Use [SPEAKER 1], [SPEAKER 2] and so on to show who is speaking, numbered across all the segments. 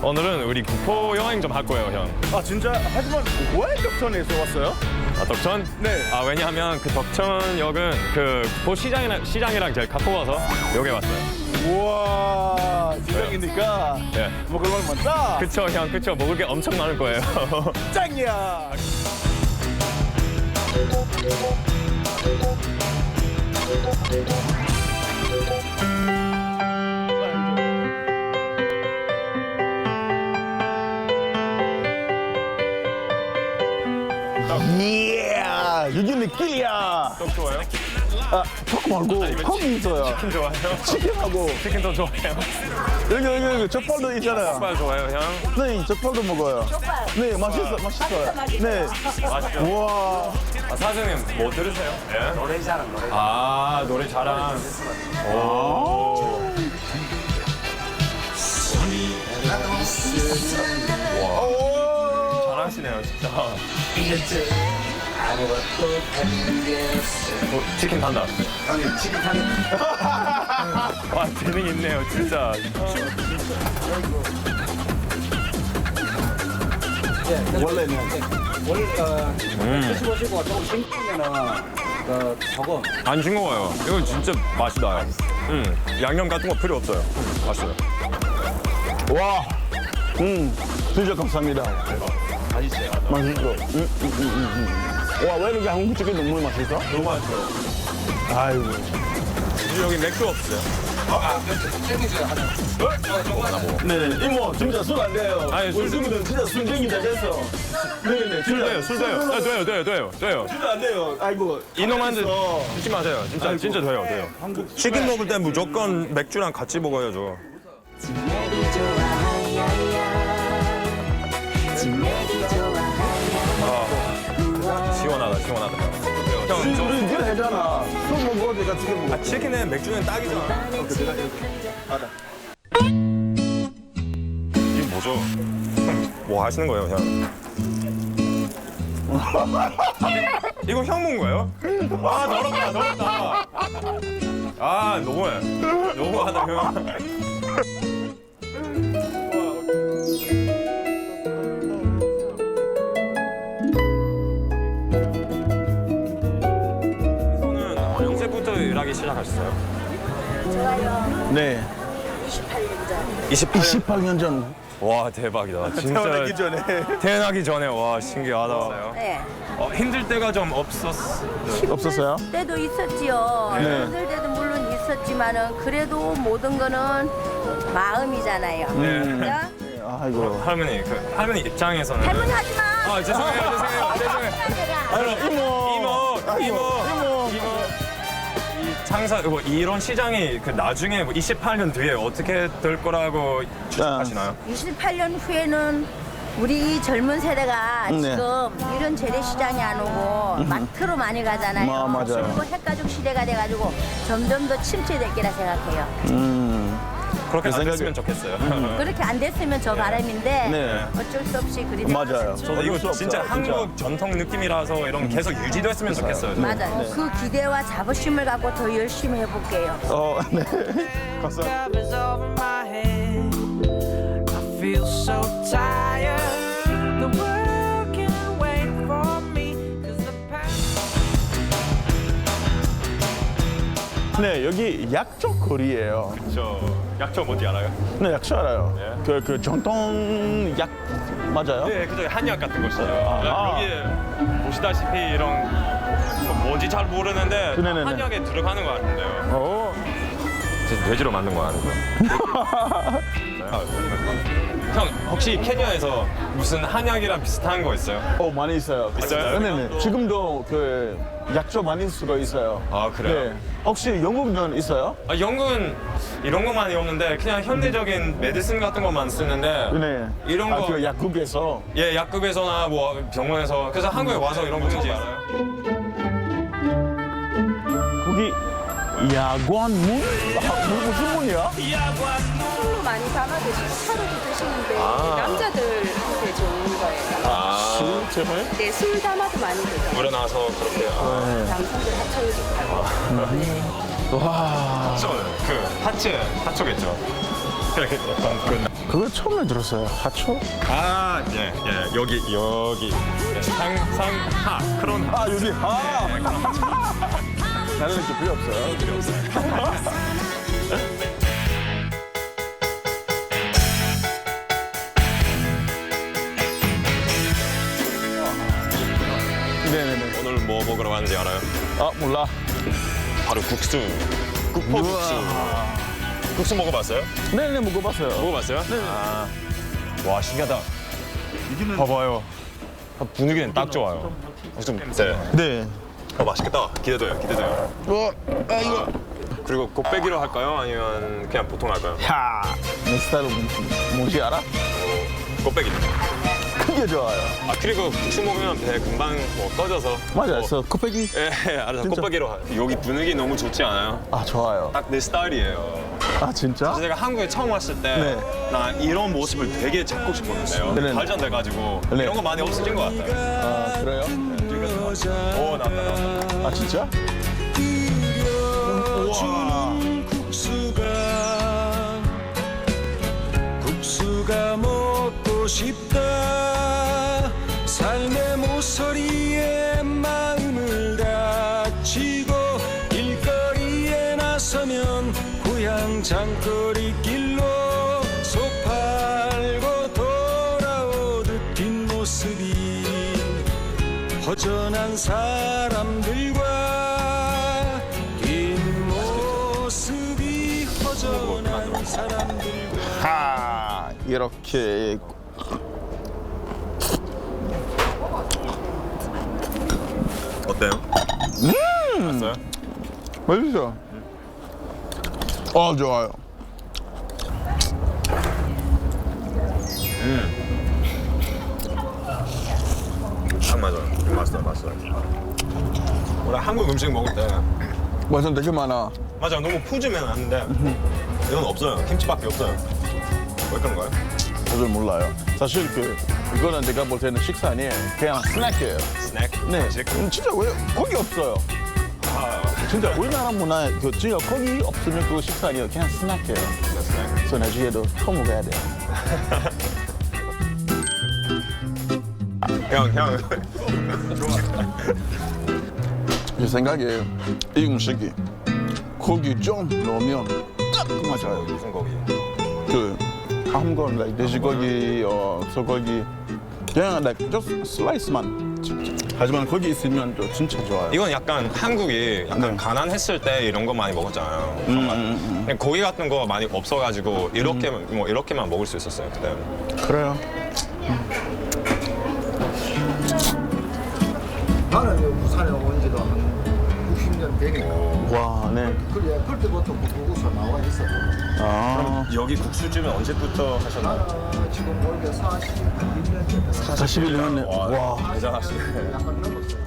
[SPEAKER 1] 오늘은 우리 구포 여행 좀 할 거예요, 형.
[SPEAKER 2] 아 진짜? 하지만 왜 덕천에서 왔어요?
[SPEAKER 1] 아, 덕천?
[SPEAKER 2] 네.
[SPEAKER 1] 아, 왜냐하면 그 덕천역은 그 구포 시장이랑 제일 가까워서 여기 왔어요.
[SPEAKER 2] 우와 시장이니까
[SPEAKER 1] 네.
[SPEAKER 2] 먹을 건 많다.
[SPEAKER 1] 그쵸, 형, 그쵸. 먹을 게 엄청 많을 거예요.
[SPEAKER 2] 짱이야. 이야 여기 느낌이야.
[SPEAKER 1] 떡 좋아요?
[SPEAKER 2] 아 턱 말고 턱이 있어요.
[SPEAKER 1] 치킨 좋아해요?
[SPEAKER 2] 치킨하고
[SPEAKER 1] 치킨도 좋아해요?
[SPEAKER 2] 여기 족발도 있잖아요.
[SPEAKER 1] 족발 좋아해요, 형?
[SPEAKER 2] 네 족발도 먹어요. 네 맛있어요. 네.
[SPEAKER 1] 맛있죠?
[SPEAKER 2] 우와.
[SPEAKER 1] 아, 사장님, 뭐 들으세요? 예? 노래 자랑, 노래. 아, 노래 자랑. 오.
[SPEAKER 2] 오.
[SPEAKER 1] 잘하시네요, 진짜. 치킨 탄다.
[SPEAKER 3] 치킨 타는
[SPEAKER 1] 와, 재능 있네요, 진짜.
[SPEAKER 2] 원래는
[SPEAKER 3] 드셔보시고 조금 싱거우면은 조금
[SPEAKER 1] 안 싱거워요. 이거 진짜 맛이 나요. 양념 같은 거 필요 없어요. 맛있어요.
[SPEAKER 2] 와. 진짜 감사합니다.
[SPEAKER 1] 맛있어요.
[SPEAKER 2] 맛있어. 와, 왜 이렇게 한국 치킨 너무 맛있어?
[SPEAKER 1] 너무 맛있어요.
[SPEAKER 2] 아이고.
[SPEAKER 1] 여기 맥주 없어요.
[SPEAKER 3] 땡기죠 하나.
[SPEAKER 2] 네, 이모, 진짜 술 안 돼요.
[SPEAKER 1] 아니, 술-
[SPEAKER 2] 우리 친구들은 진짜 술쟁이다 됐어. 네네,
[SPEAKER 1] 술 돼요, 술 돼요. 아, 돼요.
[SPEAKER 2] 진짜 안 돼요. 아이고.
[SPEAKER 1] 이놈한테
[SPEAKER 2] 알겠어.
[SPEAKER 1] 드지 마세요. 진짜,
[SPEAKER 2] 아이고.
[SPEAKER 1] 진짜 돼요.
[SPEAKER 2] 한국
[SPEAKER 1] 치킨 먹을 때 무조건 맥주랑 같이 먹어야죠. 시원하다. 형,
[SPEAKER 2] 우리 니가 했잖아. 술 먹고 내가 치킨 먹어.
[SPEAKER 1] 치킨에 맥주는 딱이잖아. 이게 뭐죠? 뭐 하시는 거예요, 형? 이거 형 먹은 거예요? 아, 더럽다. 아, 너무하다, 형. 손은 언제부터 일하기 시작하셨어요?
[SPEAKER 2] 네. 28년 전.
[SPEAKER 1] 와, 대박이다. 진짜
[SPEAKER 2] 태어나기 전에.
[SPEAKER 1] 태어나기 전에. 와, 신기하다.
[SPEAKER 4] 네.
[SPEAKER 1] 힘들 때가 좀 없었어요.
[SPEAKER 2] 없었어요?
[SPEAKER 4] 때도 있었지요.
[SPEAKER 2] 네.
[SPEAKER 4] 힘들 때도 물론 있었지만은 그래도 모든 거는 마음이잖아요. 그죠?
[SPEAKER 2] 아이고.
[SPEAKER 1] 할머니 입장에서는.
[SPEAKER 4] 할머니 하지 마.
[SPEAKER 1] 아, 죄송해요. 이모. 이 장사, 이런 시장이 그 나중에 28년 뒤에 어떻게 될 거라고 추측하시나요?
[SPEAKER 4] 28년 후에는 우리 이 젊은 세대가
[SPEAKER 2] 네.
[SPEAKER 4] 지금 이런 재래시장이 안 오고 마트로 많이 가잖아요.
[SPEAKER 2] 맞아요.
[SPEAKER 4] 그리고 핵가족 시대가 돼가지고 점점 더 침체될 거라 생각해요.
[SPEAKER 1] 그렇게 안
[SPEAKER 2] 생각에-
[SPEAKER 1] 됐으면 좋겠어요.
[SPEAKER 4] 그렇게 안 됐으면 저 바람인데
[SPEAKER 2] 네.
[SPEAKER 4] 어쩔 수 없이 그리
[SPEAKER 2] 맞아요.
[SPEAKER 1] 저도 이거 진짜 한국 전통 느낌이라서 이런 계속 유지됐으면 좋겠어요.
[SPEAKER 4] 맞아요. 그 기대와 자부심을 갖고 더 열심히 해볼게요.
[SPEAKER 2] 네. 감사합니다.
[SPEAKER 5] covers over my head. I feel so tired. The world can't wait for me. 'Cause the past.
[SPEAKER 2] 네, 여기 약초 거리예요.
[SPEAKER 1] 저 약초 뭔지 알아요?
[SPEAKER 2] 네, 약초 알아요.
[SPEAKER 1] 네.
[SPEAKER 2] 그 전통 약 맞아요?
[SPEAKER 1] 네, 그죠. 한약 같은 것이죠.
[SPEAKER 2] 아.
[SPEAKER 1] 여기 보시다시피 이런 뭔지 잘 모르는데
[SPEAKER 2] 네네네.
[SPEAKER 1] 한약에 들어가는 것 같은데요.
[SPEAKER 2] 오.
[SPEAKER 1] 진짜 돼지로 만든 거 아니고요. 형, 혹시 케냐에서 무슨 한약이랑 비슷한 거 있어요?
[SPEAKER 2] 많이 있어요.
[SPEAKER 1] 있어요?
[SPEAKER 2] 네네. 지금도 그 약초 많이 쓰고 있어요.
[SPEAKER 1] 아, 그래요?
[SPEAKER 2] 네. 혹시 영국은 있어요?
[SPEAKER 1] 아, 영국은 이런 거 많이 없는데 그냥 현대적인 메디슨 같은 것만 쓰는데
[SPEAKER 2] 네.
[SPEAKER 1] 이런 거
[SPEAKER 2] 그 약국에서.
[SPEAKER 1] 예, 약국에서나 뭐 병원에서 그래서 한국에 와서 이런 거 뭔지 알아요?
[SPEAKER 2] 거기 야관문? 무슨 문이야?
[SPEAKER 6] 술로 많이 담아 드시고 차로도 드시는데 남자들한테 좋은 거예요.
[SPEAKER 2] 술 제발?
[SPEAKER 6] 네, 술 담아도 많이 드죠.
[SPEAKER 1] 물에 나서 그렇게
[SPEAKER 6] 남성들 하차도 좋고.
[SPEAKER 2] 와.
[SPEAKER 1] 그 하츠겠죠. 그렇게 약간 그
[SPEAKER 2] 그거 처음에 들었어요. 하초?
[SPEAKER 1] 아, 예, 여기. 예, 상하, 그런 하.
[SPEAKER 2] 아, 여기. 아. 나는 이렇게 필요 없어요.
[SPEAKER 1] 필요 없어요.
[SPEAKER 2] 네네네.
[SPEAKER 1] 오늘 뭐 먹으러 가는지 알아요?
[SPEAKER 2] 아, 몰라.
[SPEAKER 1] 바로 국수. 국포국수. 국수 먹어봤어요?
[SPEAKER 2] 네네, 먹어봤어요.
[SPEAKER 1] 먹어봤어요? 네. 와, 신기하다. 봐봐요. 분위기는 딱 좋아요. 좀, 네.
[SPEAKER 2] 네.
[SPEAKER 1] 맛있겠다. 기대돼요.
[SPEAKER 2] 이거.
[SPEAKER 1] 그리고 곱빼기로 할까요? 아니면 그냥 보통 할까요?
[SPEAKER 2] 야, 내 스타일은 뭔지 알아?
[SPEAKER 1] 곱빼기.
[SPEAKER 2] 크게 좋아요.
[SPEAKER 1] 아, 그리고 국수 먹으면 배 금방 뭐 떠져서.
[SPEAKER 2] 맞아,
[SPEAKER 1] 뭐,
[SPEAKER 2] 그래서 코빼기.
[SPEAKER 1] 예, 알아서
[SPEAKER 2] 진짜?
[SPEAKER 1] 곱빼기로. 여기 분위기 너무 좋지 않아요?
[SPEAKER 2] 아, 좋아요.
[SPEAKER 1] 딱 내 스타일이에요.
[SPEAKER 2] 아, 진짜?
[SPEAKER 1] 제가 한국에 처음 왔을 때
[SPEAKER 2] 네.
[SPEAKER 1] 나 이런 모습을 되게 잡고 싶었는데요.
[SPEAKER 2] 네네.
[SPEAKER 1] 발전돼가지고
[SPEAKER 2] 네.
[SPEAKER 1] 이런 거 많이 없어진 것 같아요.
[SPEAKER 2] 아, 그래요?
[SPEAKER 1] 오, 나왔다.
[SPEAKER 2] 아, 진짜?
[SPEAKER 7] 국수가 먹고 싶다. 삶의 모서리에 마음을 다치고 길거리에 나서면 고향 장거리 길로 속 팔고 돌아오듯 뒷모습이 허전한 사람들과 뒷모습이 허전한 사람들과
[SPEAKER 2] 하, 이렇게.
[SPEAKER 1] 어때요? 맛있어요?
[SPEAKER 2] 맛있어. 좋아요.
[SPEAKER 1] 딱 맞아요. 맛있어요. 원래 한국 음식 먹을 때
[SPEAKER 2] 완전 되게 많아.
[SPEAKER 1] 맞아, 너무 푸짐해 놨는데 이건 없어요. 김치밖에 없어요. 왜 그런 거예요?
[SPEAKER 2] 저도 몰라요. 사실 이거는 내가 볼 때는 식사 아니에요. 그냥 스낵이에요.
[SPEAKER 1] 스낵?
[SPEAKER 2] 네.
[SPEAKER 1] 간식?
[SPEAKER 2] 진짜 왜 고기 없어요. 진짜 우리나라 문화에 진짜 고기 없으면 그거 식사 아니에요. 그냥 스낵이에요.
[SPEAKER 1] 스낵.
[SPEAKER 2] 그래서 나중에도 더 먹어야 돼요.
[SPEAKER 1] 형.
[SPEAKER 2] 제 생각에 이 음식이 고기 좀 넣으면 딱 맞아요.
[SPEAKER 1] 무슨 고기?
[SPEAKER 2] 한건 like 돼지고기, 소고기 그냥 like just 슬라이스만. 하지만 거기 있으면 또 진짜 좋아요.
[SPEAKER 1] 이건 약간 한국이 약간
[SPEAKER 2] 네.
[SPEAKER 1] 가난했을 때 이런 거 많이 먹었잖아요. 근데 고기 같은 거 많이 없어가지고 이렇게만 먹을 수 있었어요 그때.
[SPEAKER 2] 그래요.
[SPEAKER 8] 나는 여기 부산에 온 지도 한 60년 되니까.
[SPEAKER 2] 와, 네.
[SPEAKER 8] 그래, 그때부터 국수 나와 있었거든.
[SPEAKER 2] 아,
[SPEAKER 1] 여기 국수집은 언제부터 하셨나요?
[SPEAKER 8] 지금 보니까 41년 됐다.
[SPEAKER 2] 41년에 와.
[SPEAKER 1] 대단하시네.
[SPEAKER 8] 약간 넘었어요.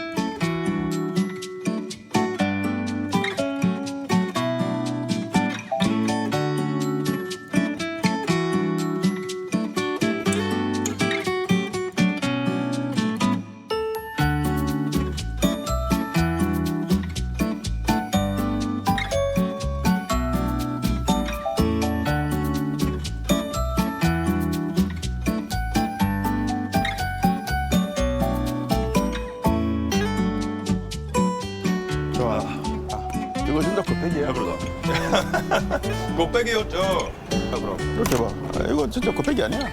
[SPEAKER 2] 좋아. 이거 진짜 곱빼기야.
[SPEAKER 1] 곱빼기였죠. 그럼.
[SPEAKER 2] 이렇게 봐. 이거 진짜 곱빼기 아니야.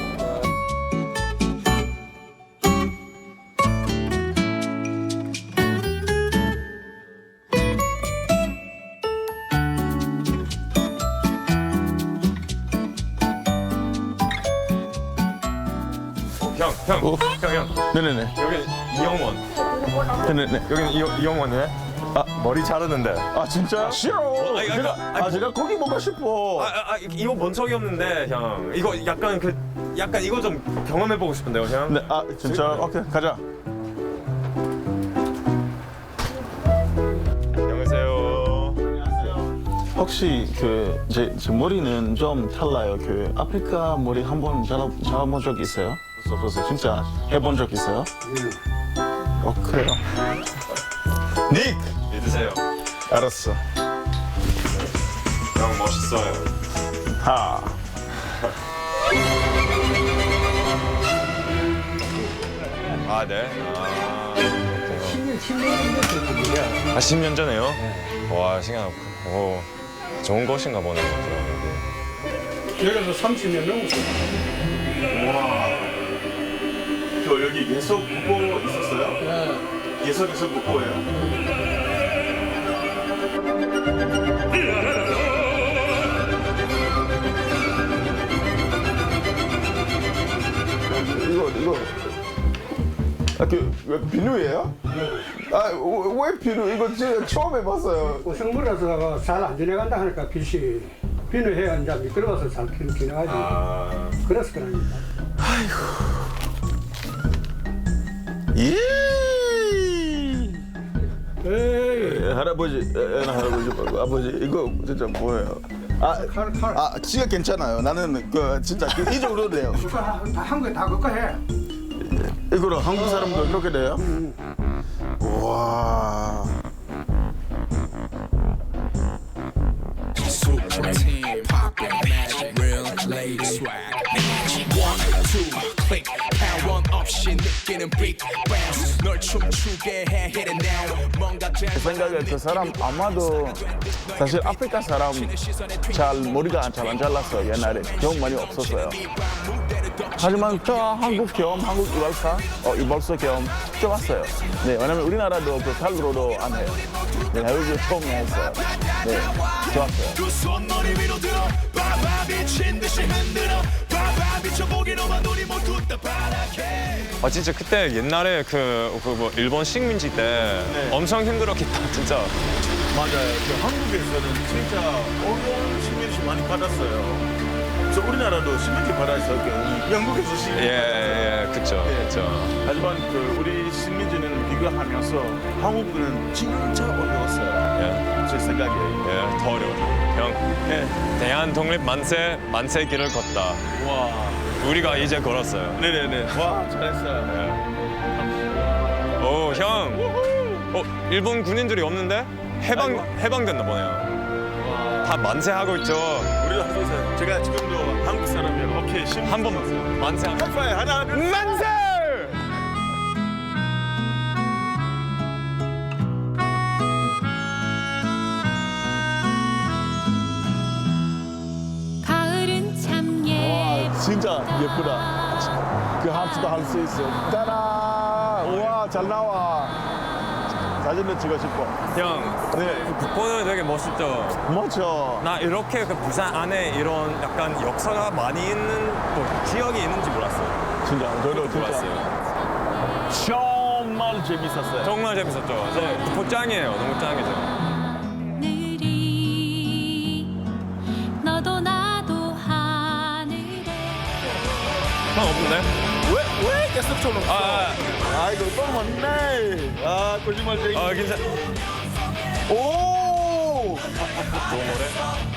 [SPEAKER 1] 형.
[SPEAKER 2] 네네네.
[SPEAKER 1] 여기 이영원.
[SPEAKER 2] 네네네.
[SPEAKER 1] 여기는 이영원이네. 머리 자르는데.
[SPEAKER 2] 아, 진짜? 싫어.
[SPEAKER 1] 아니,
[SPEAKER 2] 제가 고기 먹고 싶어.
[SPEAKER 1] 이거 본 적이 없는데 형. 이거 약간 이거 좀 경험해 보고 싶은데요, 형.
[SPEAKER 2] 네, 진짜? 오케이, 가자.
[SPEAKER 1] 안녕하세요.
[SPEAKER 2] 혹시 제 머리는 좀 달라요. 아프리카 머리 한번 잘라본 적 있어요? 없었어요. 진짜 해본 적 있어요? 그래요.
[SPEAKER 1] 닉! 믿으세요.
[SPEAKER 2] 알았어.
[SPEAKER 1] 형 멋있어요.
[SPEAKER 2] 하.
[SPEAKER 1] 아, 네. 아, 그렇군요. 10년 전에요? 와, 신기하다. 오, 좋은 곳인가 보네요.
[SPEAKER 8] 여기서 30년 넘었어요.
[SPEAKER 2] 저 여기 예석 국보 있었어요? 네. 예석에서 국보예요.
[SPEAKER 9] 이거 왜 비누예요? 왜 비누? 이거 제가 처음 해봤어요.
[SPEAKER 8] 생물에서가 잘 안 지내간다 하니까 빛이 비누해야 이제 미끄러워서 잘 지내가지. 그래서 그러니까.
[SPEAKER 2] 예.
[SPEAKER 8] 에이.
[SPEAKER 2] 할아버지, 할아버지 말고 아버지 이거 진짜 뭐예요?
[SPEAKER 8] 칼.
[SPEAKER 2] 지가 괜찮아요. 나는 그 진짜 이 정도 돼요.
[SPEAKER 8] 그거 한국에 다 그거 해.
[SPEAKER 2] 이거로 한국 사람도 그렇게 돼요? 와.
[SPEAKER 7] Super team, poppin' magic, real lady swag. 1, 2, click, pound one 없이 느끼는 big bounce. 널 춤추게 해, hit it now. 뭔가
[SPEAKER 2] 제 생각에 그 사람 아마도 사실 아프리카 사람 잘 머리가 잘 안 잘랐어요. 옛날에 경험 많이 없었어요. 하지만 저 한국 경험, 한국 이발사 경험 좋았어요. 네, 왜냐면 우리나라도 그 칼로도 안 해요. 네, 여기 처음 했어요. 네, 좋았어요.
[SPEAKER 7] 두 손머리 위로 들어 바바 미친 듯이 흔들어 바바 미쳐보기로만 눈이 모두 다 파랗게.
[SPEAKER 1] 아, 진짜 그때 옛날에 뭐 일본 식민지 때 엄청 힘들었겠다, 진짜.
[SPEAKER 2] 맞아요. 그 한국에서는 진짜 어려운 식민지 많이 받았어요. 그래서 우리나라도 식민지 받았어요. 영국에서 식민지
[SPEAKER 1] 예, 그쵸, 그쵸.
[SPEAKER 2] 하지만 그 우리 식민지는 비교하면서 한국은 진짜 어려웠어요.
[SPEAKER 1] 예,
[SPEAKER 2] 제 생각에.
[SPEAKER 1] 예, 더 어려워. 형,
[SPEAKER 2] 네.
[SPEAKER 1] 대한 독립 만세 길을 걷다.
[SPEAKER 2] 와.
[SPEAKER 1] 우리가 이제 걸었어요.
[SPEAKER 2] 네네네. 와, 잘했어요.
[SPEAKER 1] 예. 오, 형. 일본 군인들이 없는데? 해방됐나 보네요. 다 만세하고 있죠.
[SPEAKER 2] 우리도 하고 있어요. 제가 지금도 한국 사람이에요. 오케이,
[SPEAKER 1] 한 번 만세 한 번.
[SPEAKER 2] 하나, 둘,
[SPEAKER 1] 만세!
[SPEAKER 6] 가을은 참
[SPEAKER 2] 진짜 예쁘다. 그 함수도 할 수 있어. 짜란! 우와, 잘 나와. 사진도 찍고 싶어.
[SPEAKER 1] 형,
[SPEAKER 2] 네.
[SPEAKER 1] 국보도 되게 멋있죠?
[SPEAKER 2] 멋져.
[SPEAKER 1] 나 이렇게 그 부산 안에 이런 약간 역사가 많이 있는 지역이 있는지 몰랐어요.
[SPEAKER 2] 진짜, 저도 진짜.
[SPEAKER 1] 몰랐어요.
[SPEAKER 2] 정말 재밌었어요.
[SPEAKER 1] 정말 재밌었죠. 저 국보 짱이에요. 너무 짱이죠.
[SPEAKER 6] 하늘이 너도 나도 하늘에
[SPEAKER 1] 형 없는데?
[SPEAKER 2] 왜 계속 쳐놓고? 이거 또 맞네. 거짓말쟁이.
[SPEAKER 1] 괜찮.
[SPEAKER 2] 오!
[SPEAKER 1] 좋은 노래?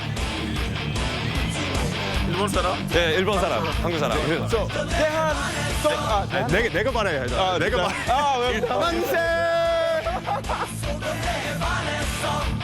[SPEAKER 2] 일본 사람?
[SPEAKER 1] 네, 일본 사람, 한국 사람.
[SPEAKER 2] 대한,
[SPEAKER 1] 내가 말해야 돼. 내가 말.
[SPEAKER 2] 왜? 만세!